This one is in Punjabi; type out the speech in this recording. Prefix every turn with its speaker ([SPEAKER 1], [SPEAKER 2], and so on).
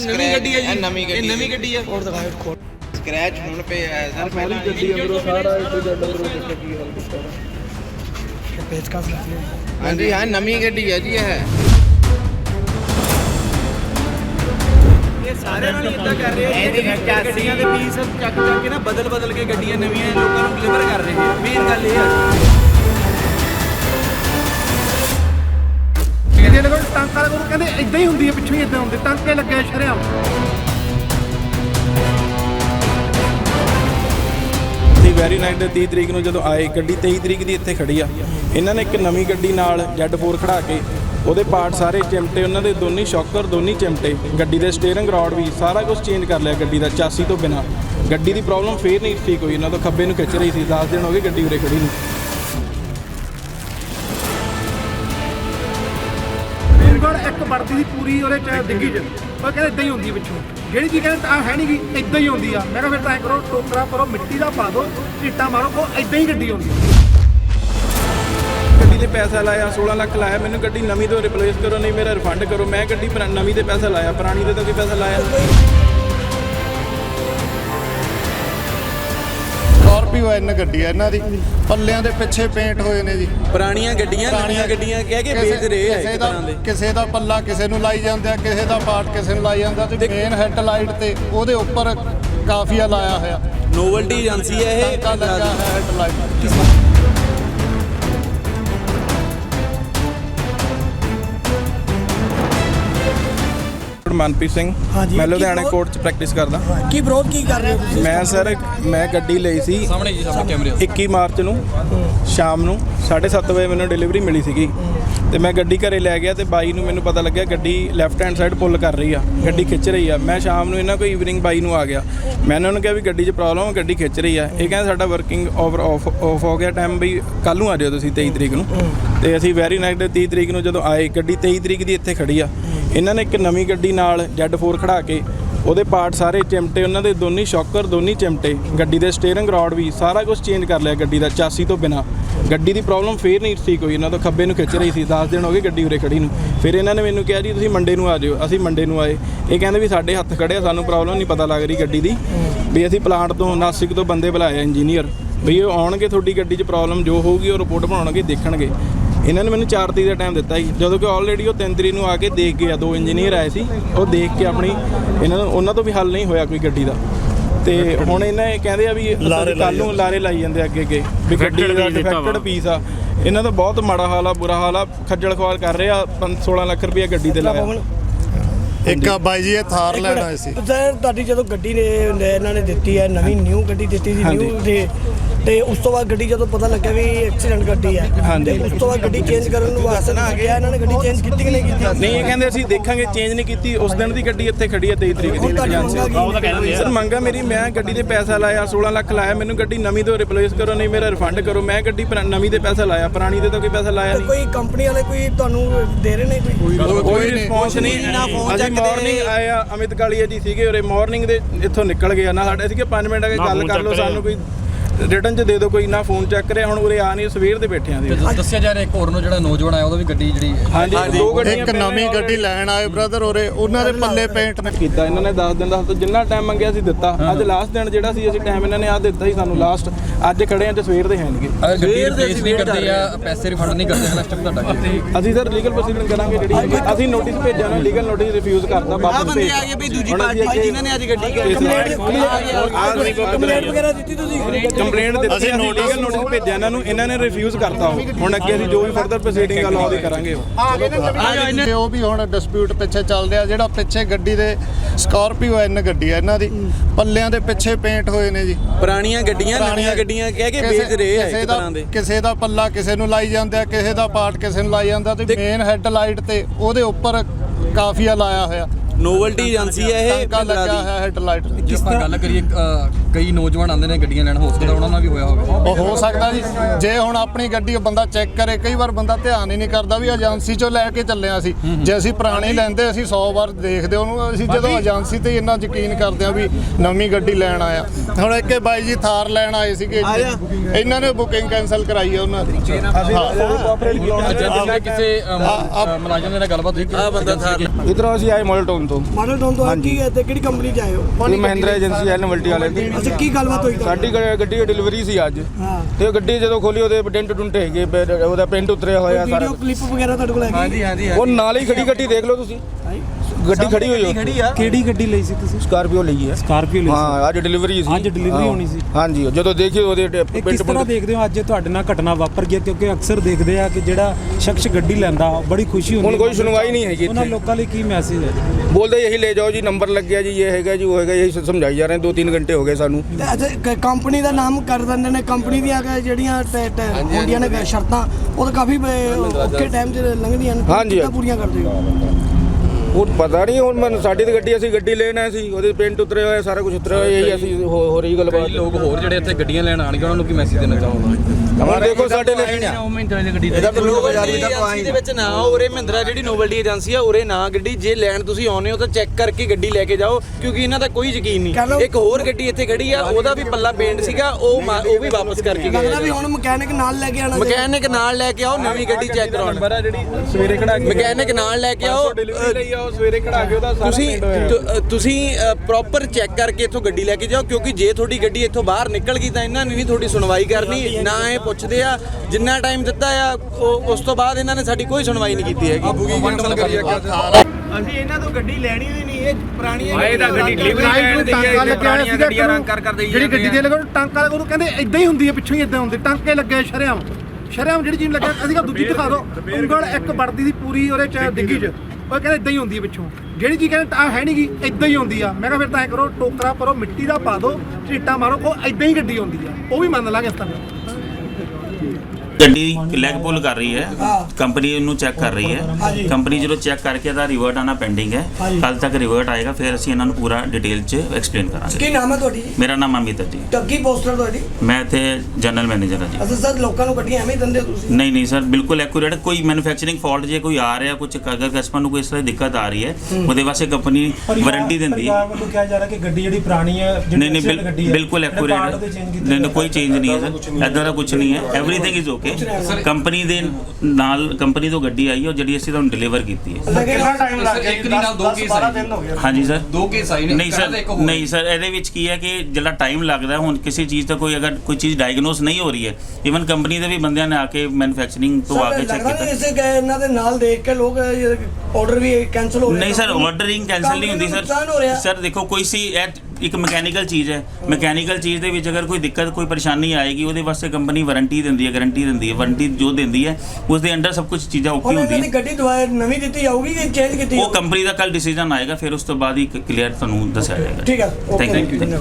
[SPEAKER 1] ਨਵੀਂ ਗੱਡੀ ਹੈ ਜੀ,
[SPEAKER 2] ਨਵੀਂ ਗੱਡੀ,
[SPEAKER 1] ਇਹ ਨਵੀਂ ਗੱਡੀ ਹੈ।
[SPEAKER 3] और दिखाओ खोल
[SPEAKER 2] ਸਕ੍ਰੈਚ ਹੁਣ ਪਿਆ ਹੈ ਸਰ।
[SPEAKER 4] ਸਾਰੀ ਗੱਡੀ ਅੰਦਰੋਂ ਸਾਰਾ ਇੱਥੇ ਜੱਡ ਅੰਦਰੋਂ ਦੇਖੋ ਕੀ ਹਾਲ ਕੀਤਾ
[SPEAKER 3] ये पेचकस लगती है।
[SPEAKER 2] ਹਾਂਜੀ ਹਾਂ ਨਵੀਂ ਗੱਡੀ ਹੈ ਜੀ ਇਹ।
[SPEAKER 1] ਇਹ ਸਾਰੇ ਨਾਲ ਇਦਾਂ ਕਰ ਰਹੇ ਆ ਕਿ ਗੱਡੀਆਂ ਦੇ ਪੀਸ ਚੱਕ ਕੇ ਨਾ ਬਦਲ ਕੇ ਗੱਡੀਆਂ ਨਵੀਆਂ ਲੋਕਾਂ ਨੂੰ ਡਿਲੀਵਰ ਕਰ ਰਹੇ ਆ। ਮੇਨ ਗੱਲ ਇਹ ਹੈ
[SPEAKER 4] ਇਹਦੇ ਨਾਲ ਟਾਂਕਾ ਵਾਲਾ ਕਹਿੰਦੇ ਇਦਾਂ ਹੀ ਹੁੰਦੀ ਹੈ, ਪਿੱਛੋਂ ਹੀ ਇਦਾਂ ਹੁੰਦੇ ਟਾਂਕੇ ਲੱਗੇ ਸ਼ਰਿਆਮ।
[SPEAKER 5] ਅਸੀਂ ਵੈਰੀ ਨਾਈਟ ਦੇ 30 ਤਰੀਕ ਨੂੰ ਜਦੋਂ ਆਏ, ਗੱਡੀ 23 ਤਰੀਕ ਦੀ ਇੱਥੇ ਖੜੀ ਆ। ਇਹਨਾਂ ਨੇ ਇੱਕ ਨਵੀਂ ਗੱਡੀ ਨਾਲ Z4 ਖੜਾ ਕੇ ਉਹਦੇ ਪਾਰਟ ਸਾਰੇ ਚਿਮਟੇ, ਉਹਨਾਂ ਦੇ ਦੋਨੀ ਸ਼ੌਕਰ ਦੋਨੀ ਚਿਮਟੇ, ਗੱਡੀ ਦੇ ਸਟੀਅਰਿੰਗ ਰੋਡ ਵੀ ਸਾਰਾ ਕੁਝ ਚੇਂਜ ਕਰ ਲਿਆ ਗੱਡੀ ਦਾ ਚਾਸੀ ਤੋਂ ਬਿਨਾ। ਗੱਡੀ ਦੀ ਪ੍ਰੋਬਲਮ ਫੇਰ ਨਹੀਂ ਠੀਕ ਹੋਈ, ਇਹਨਾਂ ਤੋਂ ਖੱਬੇ ਨੂੰ ਖਿੱਚ ਰਹੀ ਸੀ। 10 ਦਿਨ ਹੋ ਗਏ ਗੱਡੀ ਉਰੇ ਖੜੀ ਨੂੰ।
[SPEAKER 4] ਇੱਕ ਵਰਦੀ ਦੀ ਪੂਰੀ ਉਹਦੇ ਚ ਡਿੱਗੀ ਚ, ਉਹ ਕਹਿੰਦੇ ਇਦਾਂ ਹੀ ਹੁੰਦੀ ਹੈ ਪਿੱਛੋਂ। ਜਿਹੜੀ ਚੀਜ਼ ਕਹਿੰਦੇ ਆ ਹੈ ਨਹੀਂ ਗੀ, ਇਦਾਂ ਹੀ ਹੁੰਦੀ ਆ। ਮੈਂ ਕਿਹਾ ਫਿਰ ਤਾਂ ਐਂ ਕਰੋ, ਟੋਕਰਾ ਭਰੋ ਮਿੱਟੀ ਦਾ ਪਾ ਦਿਓ, ਇੱਟਾਂ ਮਾਰੋ, ਉਹ ਇਦਾਂ ਹੀ ਗੱਡੀ ਹੁੰਦੀ ਹੈ।
[SPEAKER 5] ਗੱਡੀ ਤੇ ਪੈਸਾ ਲਾਇਆ 16 ਲੱਖ ਲਾਇਆ, ਮੈਨੂੰ ਗੱਡੀ ਨਵੀਂ ਤੋਂ ਰਿਪਲੇਸ ਕਰੋ, ਨਹੀਂ ਮੇਰਾ ਰਿਫੰਡ ਕਰੋ। ਮੈਂ ਗੱਡੀ ਨਵੀਂ ਤੇ ਪੈਸਾ ਲਾਇਆ, ਪੁਰਾਣੀ ਤੇ ਤਾਂ ਕੋਈ ਪੈਸਾ ਲਾਇਆ ਨਹੀਂ।
[SPEAKER 6] ਸਕਾਰਪੀਓ ਐਨ ਗੱਡੀ ਹੈ ਇਹਨਾਂ ਦੀ, ਪੱਲਿਆਂ ਦੇ ਪਿੱਛੇ ਪੇਂਟ ਹੋਏ ਨੇ ਜੀ।
[SPEAKER 1] ਪੁਰਾਣੀਆਂ ਗੱਡੀਆਂ ਨਵੀਆਂ ਗੱਡੀਆਂ ਕਹਿ ਕੇ ਵੇਚ ਰਹੇ ਆ ਇੱਕ ਤਰ੍ਹਾਂ ਦੇ।
[SPEAKER 6] ਕਿਸੇ ਦਾ ਪੱਲਾ ਕਿਸੇ ਨੂੰ ਲਾਈ ਜਾਂਦਾ, ਕਿਸੇ ਦਾ ਪਾਰਟ ਕਿਸੇ ਨੂੰ ਲਾਈ ਜਾਂਦਾ, ਤੇ ਮੇਨ ਹੈਡ ਲਾਈਟ ਤੇ ਉਹਦੇ ਉੱਪਰ ਕਾਫੀਆ ਲਾਇਆ ਹੋਇਆ।
[SPEAKER 1] ਨੋਵਲਟੀ ਏਜੰਸੀ ਹੈ ਇਹ।
[SPEAKER 6] ਟਾਂਕਾ ਲੱਗਾ ਹੈ ਹੈਡ ਲਾਈਟ।
[SPEAKER 5] ਮਨਪ੍ਰੀਤ ਸਿੰਘ,
[SPEAKER 3] ਹਾਂਜੀ,
[SPEAKER 5] ਮੈਂ
[SPEAKER 3] ਕੀ
[SPEAKER 5] ਲੁਧਿਆਣੇ
[SPEAKER 3] ਵਿਰੋਧ?
[SPEAKER 5] ਕੋਰਟ 'ਚ ਪ੍ਰੈਕਟਿਸ ਕਰਦਾ।
[SPEAKER 3] की विरोध की कर रहे हो तुम?
[SPEAKER 5] ਮੈਂ ਸਰ ਗੱਡੀ ਲਈ ਸੀ
[SPEAKER 1] ਸਾਹਮਣੇ ਜੀ ਸਾਹਮਣੇ ਕੈਮਰੇ
[SPEAKER 5] 21 ਮਾਰਚ ਨੂੰ ਸ਼ਾਮ ਨੂੰ 7:30 ਵਜੇ ਮੈਨੂੰ ਡਿਲੀਵਰੀ ਮਿਲੀ ਸੀਗੀ ਤੇ ਮੈਂ ਗੱਡੀ ਘਰੇ ਲੈ ਗਿਆ ਤੇ ਬਾਈ ਨੂੰ ਮੈਨੂੰ ਪਤਾ ਲੱਗਿਆ ਗੱਡੀ ਲੈਫਟ ਹੈਂਡ ਸਾਈਡ ਪੁੱਲ ਕਰ ਰਹੀ ਆ, ਗੱਡੀ ਖਿੱਚ ਰਹੀ ਆ। ਮੈਂ ਸ਼ਾਮ ਨੂੰ ਇਹਨਾਂ ਕੋਈ ਈਵਨਿੰਗ ਬਾਈ ਨੂੰ ਆ ਗਿਆ, ਮੈਂ ਇਹਨਾਂ ਨੂੰ ਕਿਹਾ ਵੀ ਗੱਡੀ 'ਚ ਪ੍ਰੋਬਲਮ ਆ, ਗੱਡੀ ਖਿੱਚ ਰਹੀ ਆ। ਇਹ ਕਹਿੰਦੇ ਸਾਡਾ ਵਰਕਿੰਗ ਆਫ ਹੋ ਗਿਆ ਟਾਈਮ, ਵੀ ਕੱਲ੍ਹ ਨੂੰ ਆ ਜਾਓ ਤੁਸੀਂ 23 ਤਰੀਕ ਨੂੰ। ਤੇ ਅਸੀਂ ਵੈਰੀ ਨਾਈਟ ਦੇ 30 ਤਰੀਕ ਨੂੰ ਜਦੋਂ ਆਏ, ਗੱਡੀ 23 ਤਰੀਕ ਦੀ ਇੱਥੇ ਖੜੀ ਆ। ਇਹਨਾਂ ਨੇ ਇੱਕ ਨਵੀਂ ਗੱਡੀ ਨਾਲ Z4 ਖੜਾ ਕੇ ਉਹਦੇ ਪਾਰਟ ਸਾਰੇ ਚਿਮਟੇ, ਉਹਨਾਂ ਦੇ ਦੋਨੀ ਸ਼ੌਕਰ ਦੋਨੀ ਚਿਮਟੇ, ਗੱਡੀ ਦੇ ਸਟੀਅਰਿੰਗ ਰੋਡ ਵੀ ਸਾਰਾ ਕੁਝ ਚੇਂਜ ਕਰ ਲਿਆ ਗੱਡੀ ਦਾ ਚਾਸੀ ਤੋਂ ਬਿਨਾ। ਗੱਡੀ ਦੀ ਪ੍ਰੋਬਲਮ ਫੇਰ ਨਹੀਂ ਠੀਕ ਹੋਈ, ਇਹਨਾਂ ਤੋਂ ਖੱਬੇ ਨੂੰ ਖਿੱਚ ਰਹੀ ਸੀ। 10 ਦਿਨ ਹੋ ਗਏ ਗੱਡੀ ਉਰੇ ਖੜੀ ਨੂੰ। ਫਿਰ ਇਹਨਾਂ ਨੇ ਮੈਨੂੰ ਕਿਹਾ ਜੀ ਤੁਸੀਂ ਮੰਡੇ ਨੂੰ ਆ ਜਾਓ। ਅਸੀਂ ਮੰਡੇ ਨੂੰ ਆਏ, ਇਹ ਕਹਿੰਦੇ ਵੀ ਸਾਡੇ ਹੱਥ ਖੜੇ ਆ, ਸਾਨੂੰ ਪ੍ਰੋਬਲਮ ਨਹੀਂ ਪਤਾ ਲੱਗ ਰਹੀ ਗੱਡੀ ਦੀ, ਵੀ ਅਸੀਂ ਪਲਾਂਟ ਤੋਂ ਨਾਸਿਕ ਤੋਂ ਬੰਦੇ ਬੁਲਾਏ ਇੰਜੀਨੀਅਰ, ਵੀ ਉਹ ਆਉਣਗੇ ਤੁਹਾਡੀ ਗੱਡੀ 'ਚ ਪ੍ਰੋਬਲਮ ਜੋ ਹੋਊਗੀ ਉਹ ਰਿਪੋਰਟ ਬਣਾਉਣਗੇ, ਦੇਖਣਗੇ। ਇਹਨਾਂ ਨੇ ਮੈਨੂੰ 4 ਤਰੀਕ ਦਾ ਟਾਈਮ ਦਿੱਤਾ ਸੀ, ਜਦੋਂ ਕਿ ਆਲਰੇਡੀ ਉਹ 3 ਤਰੀਕ ਨੂੰ ਆ ਕੇ ਦੇਖ ਗਏ ਆ। 2 ਇੰਜੀਨੀਅਰ ਆਏ ਸੀ, ਉਹ ਦੇਖ ਕੇ ਆਪਣੀ ਉਹਨਾਂ ਤੋਂ ਵੀ ਹੱਲ ਨਹੀਂ ਹੋਇਆ ਕੋਈ ਗੱਡੀ ਦਾ। ਤੇ ਹੁਣ ਇਹਨਾਂ ਇਹ ਕਹਿੰਦੇ ਆ ਵੀ ਕੱਲ੍ਹ ਨੂੰ ਲਾਰੇ ਲਾਈ ਜਾਂਦੇ ਅੱਗੇ ਵੀ ਗੱਡੀ ਦਾ ਡਿਫੈਕਟਡ ਪੀਸ ਆ। ਇਹਨਾਂ ਦਾ ਬਹੁਤ ਮਾੜਾ ਹਾਲ ਆ, ਬੁਰਾ ਹਾਲ ਆ, ਖੱਜਲ ਖਵਾਰ ਕਰ ਰਹੇ ਆ। 16 ਲੱਖ ਰੁਪਇਆ ਗੱਡੀ ਤੇ ਲਾਇਆ।
[SPEAKER 6] ਇੱਕ ਬਾਈ ਜੀ ਇਹ ਥਾਰ ਲੈਣ ਆਏ ਸੀ।
[SPEAKER 3] ਸਰ ਤੁਹਾਡੀ ਜਦੋਂ ਗੱਡੀ ਨੇ ਇਹਨਾਂ ਨੇ ਦਿੱਤੀ ਹੈ, ਨਵੀਂ ਨਿਊ ਗੱਡੀ ਦਿੱਤੀ ਸੀ ਨਿਊ ਤੇ ਉਸ ਤੋਂ ਬਾਅਦ ਗੱਡੀ ਜਦੋਂ ਪਤਾ ਲੱਗਿਆ ਵੀ ਐਕਸੀਡੈਂਟ ਗੱਡੀ ਹੈ, ਤੇ ਉਸ ਤੋਂ ਬਾਅਦ ਗੱਡੀ ਚੇਂਜ ਕਰਨ ਨੂੰ ਵਾਸਤੇ ਨਾ ਗਿਆ ਇਹਨਾਂ ਨੇ ਗੱਡੀ ਚੇਂਜ ਕੀਤੀ ਕਿ ਨਹੀਂ ਕੀਤੀ?
[SPEAKER 5] ਨਹੀਂ, ਇਹ ਕਹਿੰਦੇ ਅਸੀਂ ਦੇਖਾਂਗੇ, ਚੇਂਜ ਨਹੀਂ ਕੀਤੀ। ਉਸ ਦਿਨ ਦੀ ਗੱਡੀ ਇੱਥੇ ਖੜੀ ਹੈ 23 ਤਰੀਕ ਦੀ। ਸਰ ਮੰਗਾ ਮੇਰੀ, ਮੈਂ ਗੱਡੀ ਤੇ ਪੈਸਾ ਲਾਇਆ 16 ਲੱਖ ਲਾਇਆ, ਮੈਨੂੰ ਗੱਡੀ ਨਵੀਂ ਤੋਂ ਰਿਪਲੇਸ ਕਰੋ, ਨਹੀਂ ਮੇਰਾ ਰਿਫੰਡ ਕਰੋ। ਮੈਂ ਗੱਡੀ ਨਵੀਂ ਤੇ ਪੈਸਾ ਲਾਇਆ, ਪੁਰਾਣੀ ਤੇ ਤਾਂ ਕੋਈ ਪੈਸਾ ਲਾਇਆ ਨਹੀਂ।
[SPEAKER 3] ਕੋਈ ਕੰਪਨੀ ਵਾਲੇ ਕੋਈ ਤੁਹਾਨੂੰ ਦੇ ਰਹੇ ਨੇ
[SPEAKER 5] ਕੋਈ ਰਿਸਪੌਂਸ ਨਹੀਂ। ਅਸੀਂ ਮਾਰਨਿੰਗ ਆਏ ਆ, ਅਮਿਤ ਕਾਲੀਆ ਜੀ ਸੀਗੇ ਉਰੇ, ਮਾਰਨਿੰਗ ਦੇ ਇੱਥੋਂ ਨਿਕਲ ਗਏ ਨਾ। ਸਾਡੇ ਸੀਗੇ 5 ਮਿੰਟ ਆ ਕੇ ਗੱਲ ਕਰ ਲਓ, ਸਾਨੂੰ ਕੋਈ ਰਿਟਰਨ 'ਚ ਦੇ ਦਿਓ, ਕੋਈ ਨਾ ਫੋਨ ਚੱਕ ਰਿਹਾ। ਹੁਣ ਉਰੇ ਆ ਨਹੀਂ, ਸਵੇਰ ਦੇ ਬੈਠੇ ਆਂ।
[SPEAKER 1] ਦੱਸਿਆ ਜਾ ਰਿਹਾ ਇੱਕ ਹੋਰ ਨੂੰ ਜਿਹੜਾ ਨੌਜਵਾਨ ਆਇਆ ਉਹਦਾ ਵੀ ਗੱਡੀ ਜਿਹੜੀ
[SPEAKER 5] ਹਾਂਜੀ 2 ਗੱਡੀਆਂ
[SPEAKER 6] ਇੱਕ ਨਵੀਂ ਗੱਡੀ ਲੈਣ ਆਏ ਬ੍ਰਦਰ ਉਰੇ, ਉਹਨਾਂ ਦੇ ਪੱਲੇ ਪੇਂਟ ਨੇ
[SPEAKER 5] ਕੀਤਾ। ਇਹਨਾਂ ਨੇ 10 ਦਿਨ ਦਾ ਜਿੰਨਾ ਟਾਈਮ ਮੰਗਿਆ ਸੀ ਦਿੱਤਾ। ਅੱਜ ਲਾਸਟ ਦਿਨ ਜਿਹੜਾ ਸੀ, ਅਸੀਂ ਟਾਈਮ ਇਹਨਾਂ ਨੇ ਆ ਦਿੱਤਾ ਸੀ ਸਾਨੂੰ ਲਾਸਟ। ਅੱਜ ਖੜੇ ਆਂ ਤੇ ਸਵੇਰ ਦੇ ਹੈਣਗੇ।
[SPEAKER 1] ਸਵੇਰ ਦੇ ਨਹੀਂ ਕਰਦੇ ਆ, ਪੈਸੇ ਰਿਫੰਡ ਨਹੀਂ ਕਰਦੇ। ਅਗਲਾ ਸਟੈਪ ਤੁਹਾਡਾ
[SPEAKER 5] ਅਸੀਂ ਸਰ ਲੀਗਲ ਪ੍ਰੋਸੀਡਿੰਗ ਕਰਾਂਗੇ। ਜਿਹੜੀ ਅਸੀਂ ਨੋਟਿਸ ਭੇਜਿਆ ਨਾ, ਲੀਗਲ ਨੋਟਿਸ ਰਿਫਿਊਜ਼ ਕਰਤਾ। ਵਾਪਸ ਭੇਜ
[SPEAKER 1] ਆ ਗਏ ਵੀ ਦੂਜੀ ਪਾਰਟੀ ਜਿਨ੍ਹਾਂ ਨੇ ਅੱਜ ਗੱਡੀ
[SPEAKER 3] ਕੰਪਲੇਂਟ ਵਗੈਰਾ ਦਿੱਤੀ ਤੁਸੀਂ?
[SPEAKER 5] ਕੰਪਲੇਂਟ ਦਿੱਤੀ, ਲੀਗਲ ਨੋਟਿਸ ਭੇਜਿਆ ਇਹਨਾਂ ਨੂੰ, ਇਹਨਾਂ ਨੇ ਰਿਫਿਊਜ਼ ਕਰਤਾ। ਹੁਣ ਅੱਗੇ ਅਸੀਂ ਜੋ ਵੀ ਫਰਦਰ ਪ੍ਰੋਸੀਡਿੰਗ ਆ ਲਾਅ ਦੀ ਕਰਾਂਗੇ।
[SPEAKER 6] ਉਹ ਵੀ ਹੁਣ ਡਿਸਪਿਊਟ ਪਿੱਛੇ ਚੱਲ ਰਿਹਾ। ਜਿਹੜਾ ਪਿੱਛੇ ਗੱਡੀ ਦੇ ਸਕਾਰਪੀਓ ਐਨ ਗੱਡੀ ਹੈ ਇਹਨਾਂ ਦੀ, ਪੱਲਿਆਂ ਦੇ ਪਿੱਛੇ ਪੇਂਟ ਹੋਏ ਨੇ ਜੀ।
[SPEAKER 1] ਪੁਰਾਣੀਆਂ ਗੱਡੀਆਂ ਨਵੀਆਂ ਗੱਡੀਆਂ ਕਹਿ ਕੇ ਵੇਚ ਰਹੇ ਆ ਇੱਕ ਤਰ੍ਹਾਂ ਦੇ।
[SPEAKER 6] ਕਿਸੇ ਦਾ ਪੱਲਾ ਕਿਸੇ ਨੂੰ ਲਾਈ ਜਾਂਦਾ, ਕਿਸੇ ਦਾ ਪਾਰਟ ਕਿਸੇ ਨੂੰ ਲਾਈ ਜਾਂਦਾ, ਤੇ ਮੇਨ ਹੈਡ ਲਾਈਟ ਤੇ ਉਹਦੇ ਉੱਪਰ ਕਾਫੀਆ ਲਾਇਆ ਹੋਇਆ।
[SPEAKER 1] ਨੋਵਲਟੀ ਏਜੰਸੀ ਹੈ ਇਹ।
[SPEAKER 6] ਟਾਂਕਾ ਲੱਗਾ ਹੈ ਹੈਡ ਲਾਈਟ।
[SPEAKER 1] ਜਿਸ ਤਰ੍ਹਾਂ ਗੱਲ ਕਰੀਏ
[SPEAKER 7] ਕਈ ਨੌਜਵਾਨ ਆਉਂਦੇ ਨੇ ਗੱਡੀਆਂ ਲੈਣ, ਹੋ ਸਕਦਾ ਉਹਨਾਂ ਨਾਲ ਵੀ ਹੋਇਆ ਹੋਵੇ।
[SPEAKER 6] ਉਹ ਹੋ ਸਕਦਾ ਜੀ, ਜੇ ਹੁਣ ਆਪਣੀ ਗੱਡੀ ਬੰਦਾ ਚੈੱਕ ਕਰੇ, ਕਈ ਵਾਰ ਬੰਦਾ ਧਿਆਨ ਹੀ ਨਹੀਂ ਕਰਦਾ ਵੀ ਏਜੰਸੀ ਚੋਂ ਲੈ ਕੇ ਚੱਲੇ ਅਸੀਂ। ਜੇ ਅਸੀਂ ਪੁਰਾਣੀ ਲੈਂਦੇ ਅਸੀਂ 100 ਵਾਰ ਦੇਖਦੇ ਉਹਨੂੰ, ਅਸੀਂ ਜਦੋਂ ਏਜੰਸੀ ਤੇ ਇੰਨਾ ਯਕੀਨ ਕਰਦੇ ਆ ਵੀ ਨਵੀਂ ਗੱਡੀ ਲੈਣ ਆਇਆ। ਹੁਣ ਇੱਕ ਬਾਈ ਜੀ ਥਾਰ ਲੈਣ ਆਏ ਸੀਗੇ, ਇਹਨਾਂ ਨੇ ਬੁਕਿੰਗ ਕੈਨਸਲ ਕਰਾਈ ਹੈ ਉਹਨਾਂ ਦੀ।
[SPEAKER 7] ਕਿਸੇ ਮੁਲਾਜ਼ਮ ਦੇ ਨਾਲ ਗੱਲਬਾਤ ਹੋਈ?
[SPEAKER 1] ਆ ਬੰਦਾ ਥਾਰ
[SPEAKER 5] ਇਧਰੋਂ ਅਸੀਂ ਆਏ ਮਾਡਲ ਟਾਊਨ ਤੋਂ।
[SPEAKER 3] ਮਾਡਲ ਟਾਊਨ ਤੋਂ ਕੀ ਹੈ ਤੇ ਕਿਹੜੀ ਕੰਪਨੀ 'ਚ ਆਏ ਹੋ?
[SPEAKER 5] ਇਹ ਮਹਿੰਦਰਾ ਏਜੰਸੀ ਹੈ ਨਵਲਟੀ ਵਾਲੇ ਦੀ।
[SPEAKER 3] ਅੱਛਾ, ਕੀ ਗੱਲਬਾਤ ਹੋਈ ਤੁਹਾਡੀ?
[SPEAKER 5] ਸਾਡੀ ਗੱਡੀ ਦੀ ਡਿਲੀਵਰੀ ਸੀ ਅੱਜ,
[SPEAKER 3] ਹਾਂ,
[SPEAKER 5] ਤੇ ਗੱਡੀ ਜਦੋਂ ਖੋਲੀ ਉਹਦੇ ਡੈਂਟ ਡੁੰਟ ਹੈਗੇ, ਉਹਦਾ ਪ੍ਰਿੰਟ ਉਤਰਿਆ ਹੋਇਆ ਸਾਰਾ।
[SPEAKER 3] ਵੀਡੀਓ ਕਲਿੱਪ ਵਗੈਰਾ ਤੁਹਾਡੇ ਕੋਲ ਹੈਗੀ?
[SPEAKER 1] ਹਾਂਜੀ
[SPEAKER 5] ਉਹ ਨਾਲ ਹੀ ਖੜੀ ਗੱਡੀ ਦੇਖ ਲਓ ਤੁਸੀਂ, ਗੱਡੀ ਖੜੀ ਹੋਈ ਹੈ।
[SPEAKER 1] ਖੜੀ ਆ।
[SPEAKER 8] ਕਿਹੜੀ ਗੱਡੀ ਲਈ ਸੀ ਤੁਸੀਂ?
[SPEAKER 5] ਸਕਾਰਪੀਓ ਲਈ ਹੈ।
[SPEAKER 8] ਸਕਾਰਪੀਓ ਲਈ ਸੀ?
[SPEAKER 5] ਹਾਂ, ਅੱਜ ਡਿਲੀਵਰੀ ਸੀ।
[SPEAKER 8] ਅੱਜ ਡਿਲੀਵਰੀ ਹੋਣੀ ਸੀ।
[SPEAKER 5] ਹਾਂਜੀ, ਜਦੋਂ ਦੇਖੀ ਉਹਦੇ
[SPEAKER 8] ਇਹ ਕਿਸ ਤਰ੍ਹਾਂ ਦੇਖਦੇ ਹੋ ਅੱਜ ਤੁਹਾਡੇ ਨਾਲ ਘਟਨਾ ਵਾਪਰ ਗਈ? ਕਿਉਂਕਿ ਅਕਸਰ ਦੇਖਦੇ ਆ ਕਿ ਜਿਹੜਾ ਸ਼ਖਸ ਗੱਡੀ ਲੈਂਦਾ ਬੜੀ ਖੁਸ਼ੀ ਹੁੰਦੀ
[SPEAKER 5] ਹੁਣ ਕੋਈ ਸੁਣਵਾਈ ਨਹੀਂ ਹੈਗੀ
[SPEAKER 8] ਉਹਨਾਂ
[SPEAKER 5] ਇੱਥੇ।
[SPEAKER 8] ਲੋਕਾਂ ਲਈ ਕੀ ਮੈਸੇਜ ਹੈ?
[SPEAKER 5] ਬੋਲਦੇ ਯਹੀ ਲੈ ਜਾਓ ਜੀ, ਨੰਬਰ ਲੱਗ ਗਿਆ ਜੀ, ਇਹ ਹੈਗਾ ਜੀ, ਉਹ ਹੈਗਾ, ਯਹੀ ਸਮਝਾਈ ਜਾ ਰਹੇ 2-3 ਘੰਟੇ ਹੋ ਗਏ ਸਾਨੂੰ।
[SPEAKER 3] ਤੇ ਅੱਛਾ, ਕੰਪਨੀ ਦਾ ਨਾਮ ਕਰ ਦਿੰਦੇ ਨੇ, ਕੰਪਨੀ ਦੀਆਂ ਜਿਹੜੀਆਂ ਹੁੰਦੀਆਂ ਨੇ ਸ਼ਰਤਾਂ, ਉਹ ਤਾਂ ਕਾਫੀ ਔਖੇ ਟਾਈਮ 'ਚ ਲੰਘਦੀਆਂ ਨੇ।
[SPEAKER 5] ਹਾਂਜੀ।
[SPEAKER 3] ਕਿੱਦਾਂ ਪੂਰੀਆਂ ਕਰਦੇ ਹੋ?
[SPEAKER 5] ਉਹ ਪਤਾ ਨਹੀਂ, ਹੁਣ ਮੈਨੂੰ ਸਾਡੀ ਤੇ ਗੱਡੀ, ਅਸੀਂ ਗੱਡੀ ਲੈਣ ਆਏ ਸੀ, ਉਹਦੇ ਪ੍ਰਿੰਟ ਉਤਰੇ ਹੋਏ, ਸਾਰਾ ਕੁਝ ਉਤਰਿਆ ਹੋਇਆ, ਇਹੀ ਅਸੀਂ ਹੋ ਰਹੀ ਗੱਲਬਾਤ।
[SPEAKER 7] ਕਈ ਲੋਕ ਹੋਰ ਜਿਹੜੇ ਇੱਥੇ ਗੱਡੀਆਂ ਲੈਣ ਆਣਗੇ ਉਹਨਾਂ ਨੂੰ ਕੀ ਮੈਸੇਜ ਦੇਣਾ ਚਾਹੋਗੇ?
[SPEAKER 5] ਹੁਣ ਦੇਖੋ ਸਾਡੇ ਲਈ
[SPEAKER 1] ਇਹਦਾ ਨੋਵਲਟੀ ਏਜੰਸੀ ਦੇ ਵਿੱਚ ਨਾ ਉਰੇ ਮਹਿੰਦਰਾ ਜਿਹੜੀ ਨੋਵਲਟੀ ਏਜੰਸੀ ਆ ਉਰੇ ਨਾ ਗੱਡੀ ਜੇ ਲੈਣ ਤੁਸੀਂ ਆਉਨੇ ਹੋ ਤਾਂ ਚੈੱਕ ਕਰਕੇ ਗੱਡੀ ਲੈ ਕੇ ਜਾਓ, ਕਿਉਂਕਿ ਇਹਨਾਂ ਦਾ ਕੋਈ ਯਕੀਨ ਨਹੀਂ। ਇੱਕ ਹੋਰ ਗੱਡੀ ਇੱਥੇ ਖੜੀ ਆ, ਉਹਦਾ ਵੀ ਪੱਲਾ ਪੇਂਟ ਸੀਗਾ, ਉਹ ਵੀ ਵਾਪਸ ਕਰਕੇ
[SPEAKER 3] ਲੱਗਦਾ
[SPEAKER 1] ਗਏ।
[SPEAKER 3] ਵੀ ਹੁਣ ਮਕੈਨਿਕ ਨਾਲ ਲੈ ਕੇ ਆਣਾ
[SPEAKER 1] ਮਕੈਨਿਕ ਨਾਲ ਲੈ ਕੇ ਆਓ, ਨਵੀਂ ਗੱਡੀ ਚੈੱਕ ਕਰਾਉਣ।
[SPEAKER 5] ਨੰਬਰ ਆ ਜਿਹੜੀ ਸਵੇਰੇ ਖੜਾ ਕੇ
[SPEAKER 1] ਮਕੈਨਿਕ ਨਾਲ ਲੈ ਕੇ ਆਓ,
[SPEAKER 5] ਡਿਲੀਵਰੀ ਲਈ ਆਓ, ਸਵੇਰੇ ਖੜਾ ਕੇ ਉਹਦਾ ਸਾਰਾ print ਹੋਇਆ।
[SPEAKER 1] ਤੁਸੀਂ ਪ੍ਰੋਪਰ ਚੈੱਕ ਕਰਕੇ ਇੱਥੋਂ ਗੱਡੀ ਲੈ ਕੇ ਜਾਓ, ਕਿਉਂਕਿ ਜੇ ਤੁਹਾਡੀ ਗੱਡੀ ਇੱਥੋਂ ਬਾਹਰ ਨਿਕਲ ਗਈ ਤਾਂ ਇਹਨਾਂ ਨੇ ਨਹੀਂ ਤੁਹਾਡੀ ਸੁਣਵਾਈ ਕਰਨੀ। ਨਾ ਇਹ ਪੁੱਛਦੇ ਆ, ਜਿੰਨਾ ਟਾਈਮ ਦਿੱਤਾ ਆ ਉਸ ਤੋਂ ਬਾਅਦ ਇਹਨਾਂ ਨੇ ਸਾਡੀ ਕੋਈ ਸੁਣਵਾਈ ਨਹੀਂ ਕੀਤੀ ਹੈਗੀ। ਅਸੀਂ ਇਹਨਾਂ ਤੋਂ ਗੱਡੀ ਲੈਣੀ ਵੀ ਨਹੀਂ, ਇਹ ਪੁਰਾਣੀਆਂ
[SPEAKER 4] ਜਿਹੜੀ ਗੱਡੀ ਦੇ ਲਗੋ ਟਾਂਕਾ ਲਗੋ, ਉਹਨੂੰ ਕਹਿੰਦੇ ਇਦਾਂ ਹੀ ਹੁੰਦੀ ਹੈ, ਪਿੱਛੋਂ ਹੀ ਇਦਾਂ ਹੁੰਦੇ ਟਾਂਕੇ ਲੱਗੇ ਸ਼ਰੇਆਮ ਜਿਹੜੀ ਚੀਜ਼ ਲੱਗਾ। ਅਸੀਂ ਕਿਹਾ ਦੂਜੀ ਦਿਖਾ ਦਿਓ, ਉਂਗਲ ਇੱਕ ਵੜਦੀ ਸੀ ਪੂਰੀ ਉਹਦੇ ਚ ਡਿੱਗੀ ਚ, ਉਹ ਕਹਿੰਦੇ ਇਦਾਂ ਹੀ ਹੁੰਦੀ ਹੈ ਪਿੱਛੋਂ। ਜਿਹੜੀ ਚੀਜ਼ ਕਹਿੰਦੇ ਆ ਹੈ ਨਹੀਂ ਗੀ, ਇਦਾਂ ਹੀ ਹੁੰਦੀ ਆ। ਮੈਂ ਕਿਹਾ ਫਿਰ ਤਾਂ ਐ ਕਰੋ, ਟੋਕਰਾ ਭਰੋ, ਮਿੱਟੀ ਦਾ ਪਾ ਦਿਓ, ਝੀਟਾ ਮਾਰੋ, ਉਹ ਇਦਾਂ ਹੀ ਗੱਡੀ ਹੁੰਦੀ ਆ, ਉਹ ਵੀ ਮੰਨ ਲਾਂਗੇ ਇਸ ਤਰ੍ਹਾਂ।
[SPEAKER 9] ਗੱਡੀ ਲੈਗ ਪੁੱਲ ਕਰ ਰਹੀ ਹੈ, ਕੰਪਨੀ ਨੂੰ ਚੈੱਕ ਕਰ ਰਹੀ ਹੈ। ਕੰਪਨੀ ਜਦੋਂ ਚੈੱਕ ਕਰਕੇ ਇਹਦਾ ਰਿਵਰਟ ਆਣਾ ਪੈਂਡਿੰਗ ਹੈ, ਕੱਲ ਤੱਕ ਰਿਵਰਟ ਆਏਗਾ, ਫਿਰ ਅਸੀਂ ਇਹਨਾਂ ਨੂੰ ਪੂਰਾ ਡਿਟੇਲ 'ਚ ਐਕਸਪਲੇਨ ਕਰਾਂਗੇ।
[SPEAKER 3] ਕੀ ਨਾਮ ਹੈ ਤੁਹਾਡੀ?
[SPEAKER 9] ਮੇਰਾ ਨਾਮ ਅਮਿਤ ਹੈ ਜੀ।
[SPEAKER 3] ਟੱਗੀ ਪੋਸਟਰ ਤੁਹਾਡੀ?
[SPEAKER 9] ਮੈਂ ਇੱਥੇ ਜਨਰਲ ਮੈਨੇਜਰ ਹਾਂ ਜੀ।
[SPEAKER 3] ਅੱਛਾ ਸਰ, ਲੋਕਾਂ ਨੂੰ ਗੱਡੀਆਂ ਐਵੇਂ ਹੀ ਦਿੰਦੇ ਹੋ ਤੁਸੀਂ?
[SPEAKER 9] ਨਹੀਂ ਸਰ, ਬਿਲਕੁਲ ਐਕੂਰੇਟ। ਕੋਈ ਮੈਨੂਫੈਕਚਰਿੰਗ ਫਾਲਟ ਜੇ ਕੋਈ ਆ ਰਿਹਾ, ਕੁਝ ਅਗਰ ਕਸਟਮਰ ਨੂੰ ਕੋਈ ਇਸ ਤਰ੍ਹਾਂ ਦੀ ਦਿੱਕਤ ਆ ਰਹੀ ਹੈ, ਉਹਦੇ ਵਾਸਤੇ ਕੰਪਨੀ ਵਾਰੰਟੀ ਦਿੰਦੀ ਹੈ।
[SPEAKER 8] ਪਰਿਵਾਰ ਵੱਲੋਂ ਕਿਹਾ ਜਾ ਰਿਹਾ ਕਿ ਗੱਡੀ ਜਿਹੜੀ ਪੁਰਾਣੀ ਹੈ,
[SPEAKER 9] ਨਹੀਂ ਬਿਲਕੁਲ ਐਕੂਰੇਟ, ਨਹੀਂ ਕੋਈ ਚੇਂਜ ਨਹੀਂ ਹੈ ਸਰ, ਇੱਦਾਂ ਦਾ ਕੁਝ ਨਹੀਂ ਹੈ, ਐਵਰੀਥਿੰਗ ਇਜ਼ ਓਕੇ। ਕੰਪਨੀ ਦੇ ਨਾਲ ਕੰਪਨੀ ਤੋਂ ਗੱਡੀ ਆਈ ਹੈ ਜਿਹੜੀ ਅਸੀਂ ਤੁਹਾਨੂੰ ਡਿਲੀਵਰ ਕੀਤੀ ਹੈ।
[SPEAKER 7] ਕਿੰਨਾ ਟਾਈਮ ਲੱਗ ਗਿਆ? ਇੱਕ ਦਿਨ ਨਾਲ 2 ਕੇਸ ਆਏ।
[SPEAKER 9] ਹਾਂਜੀ ਸਰ,
[SPEAKER 7] 2 ਕੇਸ ਆਏ ਨੇ।
[SPEAKER 9] ਨਹੀਂ ਸਰ, ਇਹਦੇ ਵਿੱਚ ਕੀ ਹੈ ਕਿ ਜਿਹੜਾ ਟਾਈਮ ਲੱਗਦਾ, ਹੁਣ ਕਿਸੇ ਚੀਜ਼ ਦਾ ਕੋਈ ਅਗਰ ਕੋਈ ਚੀਜ਼ ਡਾਇਗਨੋਸ ਨਹੀਂ ਹੋ ਰਹੀ ਹੈ, ਇਵਨ ਕੰਪਨੀ ਦੇ ਵੀ ਬੰਦਿਆਂ ਨੇ ਆ ਕੇ ਮੈਨੂਫੈਕਚਰਿੰਗ ਤੋਂ ਆ ਕੇ ਚੈੱਕ ਕੀਤਾ।
[SPEAKER 3] ਇਸੇ ਇਹਨਾਂ ਦੇ ਨਾਲ ਦੇਖ ਕੇ ਲੋਕ ਆਰਡਰ ਵੀ ਕੈਨਸਲ ਹੋ ਰਹੇ।
[SPEAKER 9] ਨਹੀਂ ਸਰ, ਆਰਡਰਿੰਗ ਕੈਨਸਲ ਨਹੀਂ ਹੁੰਦੀ ਸਰ। ਸਰ ਦੇਖੋ, ਕੋਈ ਸੀ ਇੱਕ ਮਕੈਨੀਕਲ ਚੀਜ਼ ਹੈ, ਮਕੈਨੀਕਲ ਚੀਜ਼ ਦੇ ਵਿੱਚ ਅਗਰ ਕੋਈ ਦਿੱਕਤ ਕੋਈ ਪਰੇਸ਼ਾਨੀ ਆਏਗੀ, ਉਹਦੇ ਵਾਸਤੇ ਕੰਪਨੀ ਵਾਰੰਟੀ ਦਿੰਦੀ ਹੈ, ਗਾਰੰਟੀ ਦਿੰਦੀ ਹੈ। ਵਾਰੰਟੀ ਜੋ ਦਿੰਦੀ ਹੈ ਉਸ ਦੇ ਅੰਡਰ ਸਭ ਕੁਝ ਚੀਜ਼ਾਂ ਓਕੇ ਹੁੰਦੀਆਂ।
[SPEAKER 3] ਗੱਡੀ ਦੁਬਾਰਾ ਨਵੀਂ ਦਿੱਤੀ ਜਾਊਗੀ ਕਿ ਚੇਂਜ ਕੀਤੀ?
[SPEAKER 9] ਉਹ ਕੰਪਨੀ ਦਾ ਕੱਲ ਡਿਸੀਜਨ ਆਏਗਾ, ਫਿਰ ਉਸ ਤੋਂ ਬਾਅਦ ਹੀ ਕਲੀਅਰ ਤੁਹਾਨੂੰ ਦੱਸਿਆ ਜਾਏਗਾ।
[SPEAKER 3] ਠੀਕ ਹੈ,
[SPEAKER 9] ਥੈਂਕ ਯੂ।